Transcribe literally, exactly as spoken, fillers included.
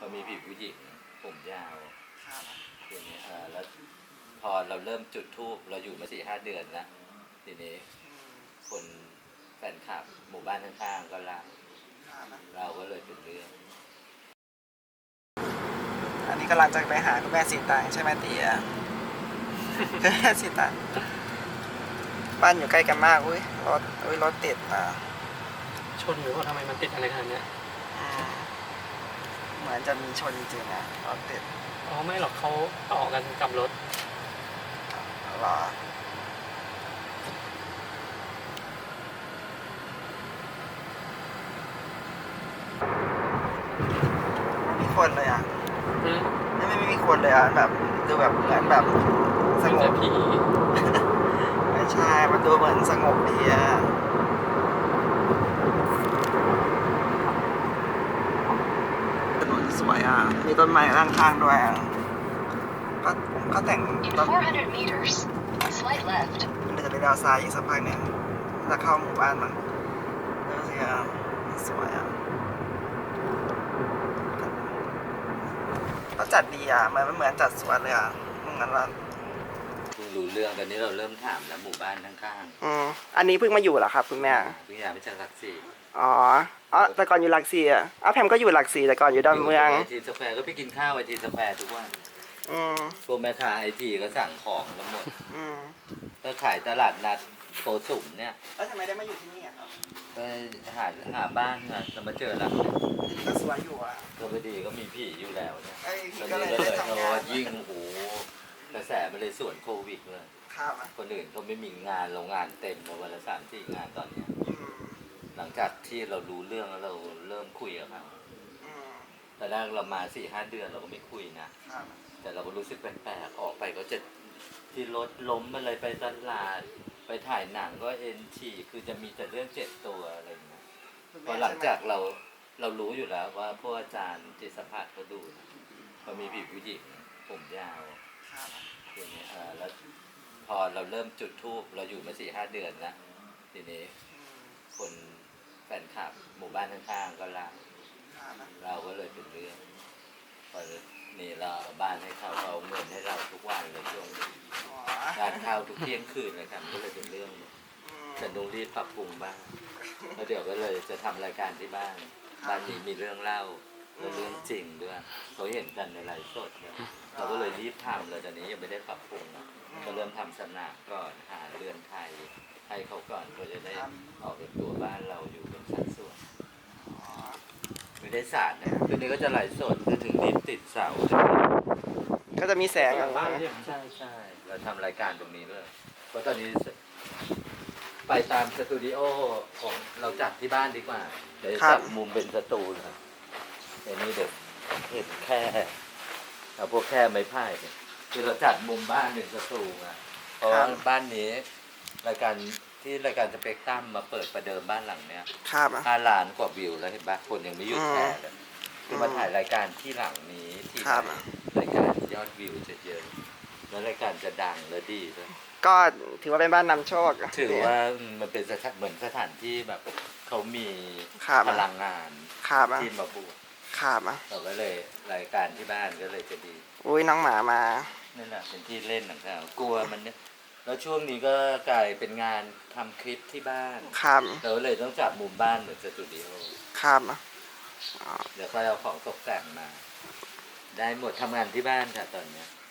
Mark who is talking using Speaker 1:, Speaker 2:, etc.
Speaker 1: เขามีผีผู้หญิงผมยาวทีนี้เออแล้วพอเราเริ่มจุดธูปเราอยู่มาสี่ห้าเดือนแล้วทีนี้คนแฟนคลับหมู่บ้านข้างๆก็รักเราก็เลยเป็นเรื่อง
Speaker 2: อันนี้กำลังจะไปหาคุณแม่สีตังใช่ไหมเตี๋ยคุณแม่สีตังบ้านอยู่ใกล้กันมากอุ้ยรถอุ้ยรถติดอ่ะ
Speaker 3: ชนหรือว่าทำไมมันติดอะไรขนาดนี้
Speaker 2: เหมือนจะมีชนจริงๆอ่ะรถติด
Speaker 3: อ๋อไม่หรอกเขาต่อกันกับรถ
Speaker 2: หรอไม่มีคนเลยอ่ะไม่ไม่มีคนเลยอ่ะแบบดูแบบเหมือนแบบสงบ
Speaker 3: ผี
Speaker 2: ไม่ใช่มันดูเหมือนสงบดีอ่ะถนนสวยอ่ะมีต้นไม้ข้างๆด้วยอ่ะก็ก็แต่งต้นมันจะไปดาวซ้ายอีกสักพักเนี่ยจะเข้าหมู่บ้านมันดูสิอ่ะสวยอ่ะก็จัดดีอ่ะมันเหมือนจัดสวนเลยอ่ะเหมือนว่า
Speaker 1: รู้เรื่องตอนนี้เราเริ่มถามแล้วหมู่บ้านข้าง
Speaker 2: ๆอืมอันนี้เพิ่งมาอยู่เหรอครับคุณแม่
Speaker 1: เพิ่งย้ายมาจากหลักสี่
Speaker 2: อ๋ออ๋อแต่ก่อนอยู่หลักสี่อ่ะอ้าวแพมก็อยู่หลักสี่แต่ก่อนอยู่ดอนเมือง
Speaker 1: ไอทีสแควร์ก็ไปกินข้าวไอทีสแควร์ทุกวัน
Speaker 2: อืม
Speaker 1: พวกแม่ค้าไอทีก็สั่งของแล้วหมด
Speaker 2: อืม
Speaker 1: ก็ขายตลาดนัดโกสุมเนี่ย
Speaker 2: แล้วทำไมได้มาอยู่ที่นี่อ่ะครับ
Speaker 1: ไปหาหาบ้านนะจะมาเจอหลัง
Speaker 2: นี่ก็สวยอยู่อ่ะ
Speaker 1: ก็พอดีก็มีผีอยู่แล้วเนี่ย
Speaker 2: ตอน
Speaker 1: นี้
Speaker 2: ก็เลย
Speaker 1: เรายิ่งโอ้โหกระแสมันเลยส่วนโควิดเลยคนอื่นเขาไม่มีงานโรงงานเต็มมาวันละสามสี่งานตอนนี้หลังจากที่เรารู้เรื่องแล้วเราเริ่มคุยกับเขาแต่แรกเรามาสี่ห้าเดือนเราก็ไม่คุยนะแต่เราก็รู้สึกแปลกๆออกไปก็จะที่รถล้มอะไรไปตลาดไปถ่ายหนังก็เอ็นทีคือจะมีแต่เรื่องเจ็ดตัวอะไรอย่างเงี้ยพอหลังจากเราเรารู้อยู่แล้วว่าพวกอาจารย์จิตสัมผัสเขาดูเขามีผีผู้หญิงผมยาวทีนี้เออแล้วพอเราเริ่มจุดธูปเราอยู่มาสี่ห้าเดือนแล้วทีนี้คนแฟนคลับหมู่บ้านข้างๆก็รักเราก็เลยเป็นเรื่องพอนี่เราบ้านให้เขาเอาเงินให้เราทุกวันเลยช่วงนี้การข้าวทุกเที่ยงคืนเลยครับก็เลยเป็นเรื่องฉันต้องรีบปรับปรุงบ้างแล้วเดี๋ยวก็เลยจะทำรายการที่บ้านบ้านนี้มีเรื่องเล่าและเรื่องจริงด้วยเขาเห็นกันในไลฟ์สดเราก็เลยรีบทำเลยตอนนี้ยังไม่ได้ปรับปรุงก็เริ่มทำสนามก่อนหาเรือนไทยให้เขาก่อนเพื่อจะได้ออกเป็นตัวบ้านเราอยู่เป็นสัดส่วนไม่ได้สาดนะคืนนี้ก็จะไลฟ์สดจะถึงนิดติดเสา
Speaker 2: ก็จะมีแสงอ่ะ
Speaker 1: ใช่ใช่เราทำรายการตรงนี้ด้วยเพราะตอนนี้ไปตามสตูดิโอของเราจัดที่บ้านดีกว่าเดี๋ยวจัดมุมเป็นสตูนะในนี้เด็กเห็นแค่เอาพวกแค่ไม้ไผ่คือเราจัดมุมบ้านหนึ่งสตูนะเพราะว่าบ้านนี้รายการที่รายการสเปกตรัมมาเปิดประเดิมบ้านหลังเนี้ยห้าล้านกว่าวิวแล้วเห็นปะคนยังไม่หยุดแชร์เลยคือมาถ่ายรายการที่หลังนี้ที่รายการยอดวิวจะเยอะแล้วรายการจะดังและดีด้วย
Speaker 2: ก็ถือว่าเป็นบ้านนำโชค
Speaker 1: ถือว่ามันเป็นสถานเหมือนสถานที่แบบเขามีพลังงานที่มาบวกเราก็เลยรายการที่บ้านก็เลยจะดี
Speaker 2: อุ้ยน้องหมามา
Speaker 1: นี่แหละเป็นที่เล่นของเขากลัวมันเนี่ยแล้วช่วงนี้ก็กลายเป็นงานทำคลิปที่บ้าน
Speaker 2: ครับ
Speaker 1: เราเลยต้องจับมุมบ้านเหมือนสตูดิโอ
Speaker 2: ครับ
Speaker 1: เดี๋ยวก็เอาของตกแต่งมาได้หมดทำงานที่บ้านค่ะตอนนี้